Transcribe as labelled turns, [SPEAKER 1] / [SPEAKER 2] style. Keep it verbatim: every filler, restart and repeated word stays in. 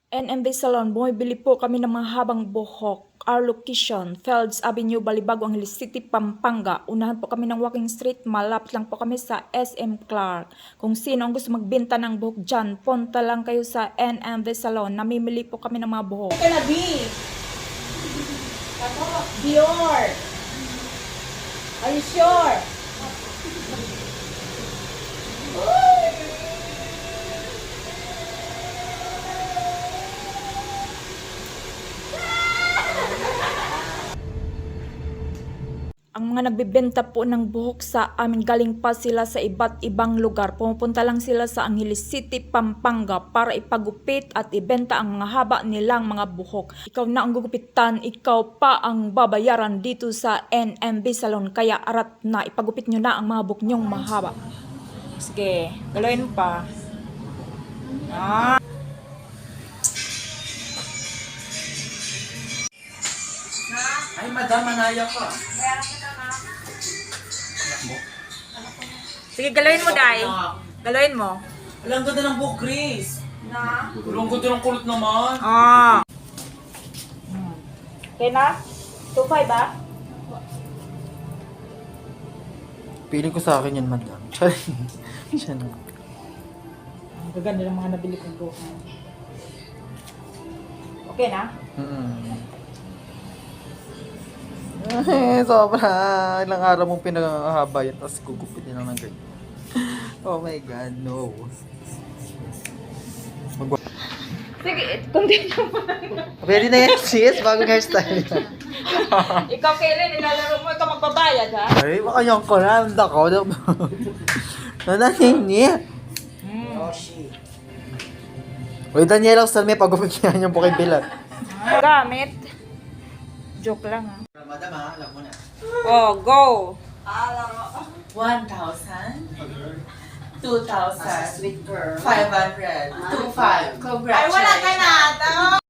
[SPEAKER 1] N M B Salon, bumibili po kami ng mga habang buhok. Our location, Fields Avenue, Balibago, Angeles City, Pampanga. Unahan po kami ng walking street, malapit lang po kami sa S M Clark. Kung sino ang gusto magbenta ng buhok dyan, punta lang kayo sa N M B Salon. Namimili po kami ng mga buhok.
[SPEAKER 2] Ito na, B. Dior. Are you sure?
[SPEAKER 1] Ang mga nagbebenta po ng buhok sa amin, galing pa sila sa iba't ibang lugar. Pumupunta lang sila sa Angeles City, Pampanga para ipagupit at ibenta ang mga haba nilang mga buhok. Ikaw na ang gugupitan, ikaw pa ang babayaran dito sa N M B Salon. Kaya arat na, ipagupit nyo na ang mga buhok nyong mahaba. Sige, galoyin mo pa. Ah.
[SPEAKER 3] Ay, madam, manaya ka.
[SPEAKER 1] Sige, galoyin mo, Day. Galoyin mo.
[SPEAKER 3] Alam, ganda ng buhok, Grace.
[SPEAKER 2] Na?
[SPEAKER 3] Alam, ganda ng kulot naman.
[SPEAKER 1] Ah. Okay na? two five ba?
[SPEAKER 3] Piling ko sa akin yan, madam. Siya na.
[SPEAKER 1] Ang gaganda ng mga nabili kong buhok. Okay na?
[SPEAKER 3] Mm-mm. Ay, sobra. Ilang araw mong pinakahaba yan, tapos gugupitin lang ng ganyan. Oh my God, no. Mag-
[SPEAKER 1] Sige, continue mo.
[SPEAKER 3] Pwede na yan, sis. Bagong hairstyle.
[SPEAKER 1] Ikaw, Kailan, nilalaro mo, ikaw magbabayad, ha?
[SPEAKER 3] Ay, baka yung koran. Dako. Nanahin niya.
[SPEAKER 1] Hmm.
[SPEAKER 3] Uy, Daniela, usal may pagupit niya yung bukay bilat.
[SPEAKER 1] Gamit. Joke lang, ha?
[SPEAKER 3] Madam, ha? Alam mo na.
[SPEAKER 1] Oh, go!
[SPEAKER 2] one thousand. two thousand.
[SPEAKER 3] Sweet girl.
[SPEAKER 2] five hundred. two five. Congrats.
[SPEAKER 4] Ay, wala ka na.